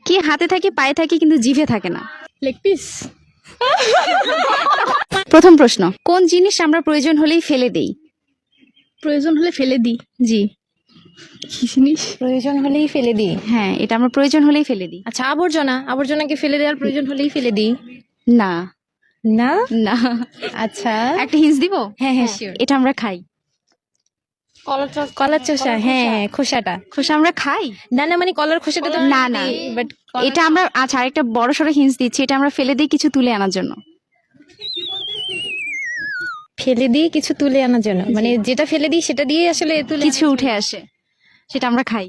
কি হাতে থাকে পায়ে থাকে কিন্তু জিভে থাকে না? Leg piece. প্রথম প্রশ্ন, কোন জিনিস আমরা প্রয়োজন হলেই ফেলে দেই? প্রয়োজন হলে ফেলে দিই। জি। কি জিনিস? প্রয়োজন হলেই ফেলে দিই। হ্যাঁ, এটা আমরা প্রয়োজন হলেই ফেলে দিই। আচ্ছা, আবর্জনাকে ফেলে দেওয়ার প্রয়োজন হলেই ফেলে দিই। না না না। আচ্ছা, একটা হিন্স দিব? হ্যাঁ হ্যাঁ শিওর। এটা আমরা খাই। কলার চোষা, হ্যাঁ হ্যাঁ, খোসাটা। খোসা আমরা খাই? না না, মানে কলার খোসাটা তো না না, বাট এটা আমরা আচ্ছা আরেকটা বড় সড়ো হিন্স দিচ্ছি, এটা আমরা ফেলে দিই কিছু তুলে আনার জন্য। ফেলে দিই কিছু তুলে আনার জন্য, মানে যেটা ফেলে দিই সেটা দিয়ে আসলে তুলে কিছু উঠে আসে, সেটা আমরা খাই।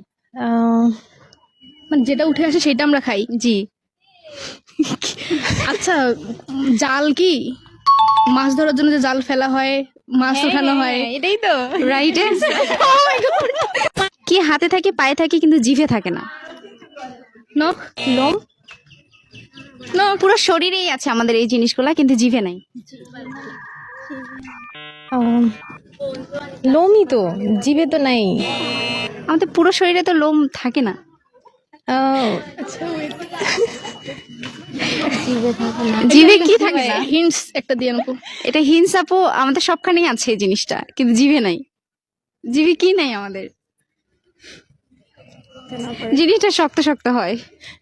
মানে যেটা উঠে আসে সেটা আমরা খাই। জি। আচ্ছা, জাল কি? মাছ ধরার জন্য যে জাল ফেলা হয়, মাছ উঠানো হয়। এটাই তো রাইট। কি হাতে থাকে পায়ে থাকে কিন্তু জিভে থাকে না? নখ। লোম। পুরো শরীরেই আছে আমাদের এই জিনিসগুলা, কিন্তু জিভে নাই। লোমই তো, জিভে তো নাই। আমাদের পুরো শরীরে তো লোম থাকে না। জিভে কি থাকে না? হিন্টস একটা দিয়ে নেবো। এটা হিন্স আপু, আমাদের সবখানেই আছে এই জিনিসটা, কিন্তু জিভে নাই। জিভে কি নাই আমাদের? জিনিসটা শক্ত শক্ত হয়।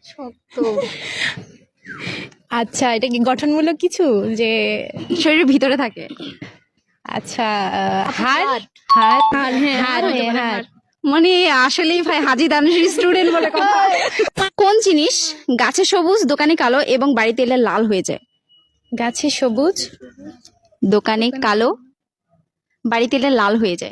আচ্ছা, এটা কি গঠনমূলক কিছু যে শরীরের ভিতরে থাকে। আচ্ছা, হাড় হাড় হাড়, হ্যাঁ, হাড়, হতে হ্যাঁ, পারে, হাড়। হাড়। মানে আসলেই ভাই হাজি দানুশের স্টুডেন্ট বলে কথা। কোন জিনিস গাছে সবুজ দোকানে কালো এবং বাড়িতে এলে লাল হয়ে যায়? গাছে সবুজ, দোকানে কালো, বাড়িতে এলে লাল হয়ে যায়।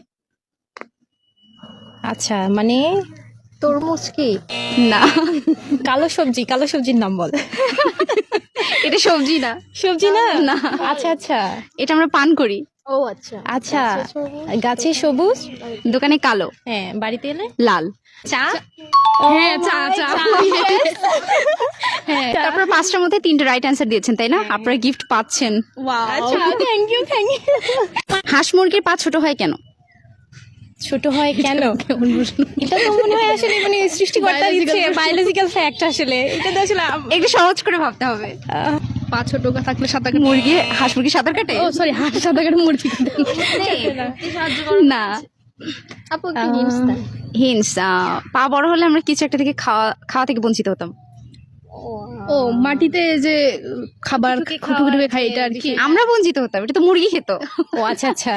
আচ্ছা মানে তরমুজ কি? না, কালো সবজির নাম বল। এটা সবজি না। সবজি না? না। আচ্ছা আচ্ছা এটা আমরা পান করি। ও আচ্ছা। আচ্ছা, গাছে সবুজ, দোকানে কালো, হ্যাঁ, বাড়িতে এলে লাল। চা। হ্যাঁ, চা চা। হ্যাঁ, তারপর পাঁচটার মধ্যে তিনটে রাইট অ্যান্সার দিয়েছেন, তাই না? আপনারা গিফট পাচ্ছেন। আচ্ছা, থ্যাংক ইউ। হাঁস মুরগির পা ছোট হয় কেন? ছোট হয় কেন? এটা তো মনে হয় আসলে মানে সৃষ্টিকর্তার ইচ্ছে, বায়োলজিক্যাল ফ্যাক্ট আসলে। এটা তো আসলে একটু সহজ করে ভাবতে হবে। পা ছোট থাকলে সাঁতার কাটে। মুরগি, হাঁস মুরগি সাঁতার কাটে? ও সরি, হাঁস সাঁতার কাটে, মুরগি কাটে। না। আপু কি হিন্টস দেন? হিন্স, পা বড় হলে আমরা কিছু একটা থেকে খাওয়া থেকে বঞ্চিত হতাম। ও মাটিতে যে খাবার খুঁটে খাই, এটা আর কি। আমরা বঞ্চিত হতাম, এটা তো মুরগি খেত। ও আচ্ছা আচ্ছা।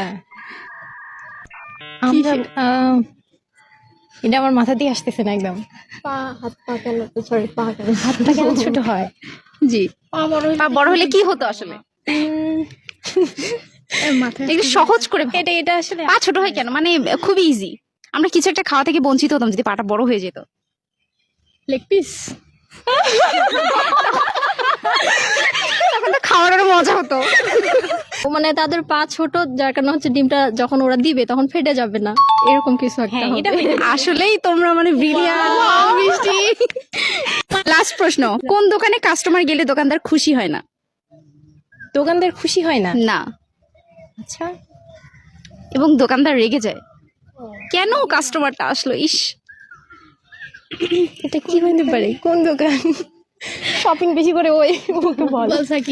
আমরা এটা আমার মাথা দিয়ে আসতেছে না একদম। হাত পা কেন ছোট হয়? জি, পা বড় হলে কি হতো আসলে? মাথায় একটু সহজ করে ভাবো। এটা আসলে পা ছোট হয় কেন, মানে খুবই ইজি। আমরা কিছু একটা খাওয়া থেকে বঞ্চিত হতাম যদি পাটা বড় হয়ে যেত। Leg piece. তখন তো খাওয়ার আরো মজা হতো। মানে তাদের পা ছোট, যার কারণে হচ্ছে ডিমটা যখন ওরা দিবে তখন ফেটে যাবে না, এরকম কিছু একটা হ্যাঁ, এটা হবে। আসলেই তোমরা মানে ব্রিলিয়ান্ট। বৃষ্টি। লাস্ট প্রশ্ন, কোন দোকানে কাস্টমার গেলে দোকানদার খুশি হয় না? দোকানদার খুশি হয় না? না, আচ্ছা, এবং দোকানদার রেগে যায়, কেন কাস্টমারটা আসলো, ইস। এটা কি হইতে পারে? কোন দোকান শপিং বেশি করে ওই ওকে বল। বলছা কি?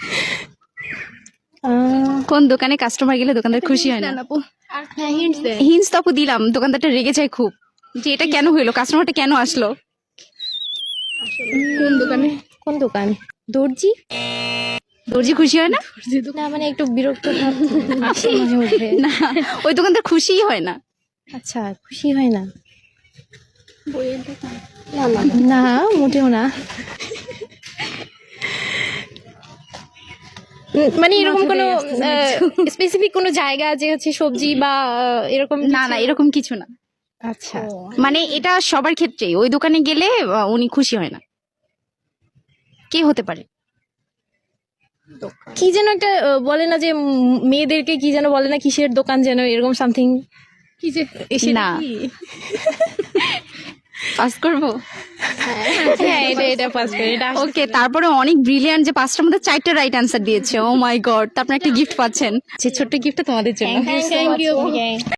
কোন দোকানে কাস্টমার গেলে দোকানদার খুশি হয় না? আপু হ্যাঁ, হিন্টস দেন। হিন্স তো আপু দিলাম, দোকানদারটা রেগে যায় খুব, যে এটা কেন হইলো, কাস্টমারটা কেন আসলো। কোন দোকানে? কোন দোকান? দর্জি। দর্জি খুশি হয় না? না মানে একটু বিরক্ত ভাব আসে মাঝে মধ্যে। না, ওই দোকানদার খুশিই হয় না। আচ্ছা, খুশি হয় না? না মোটেও না। মানে এরকম কোনো স্পেসিফিক কোনো জায়গা যে হচ্ছে সবজি বা এরকম না না, এরকম কিছু না। আচ্ছা, মানে এটা সবার ক্ষেত্রেই, ওই দোকানে গেলে উনি খুশি হয় না। কে হতে পারে? কি যেন একটা বলে না যে মেয়েদেরকে কি যেন বলে না, কিসের দোকান যেন, এরকম সামথিং। কি যে না। পাস করবো? হ্যাঁ, এটা পাস করে এটা। ওকে, তারপরে অনেক ব্রিলিয়ান্ট যে পাঁচটার মধ্যে চারটে রাইট অ্যান্সার দিয়েছে। ও মাই গড, তো আপনি একটা গিফট পাচ্ছেন, যে ছোট্ট গিফটটা তোমাদের জন্য। Thank you.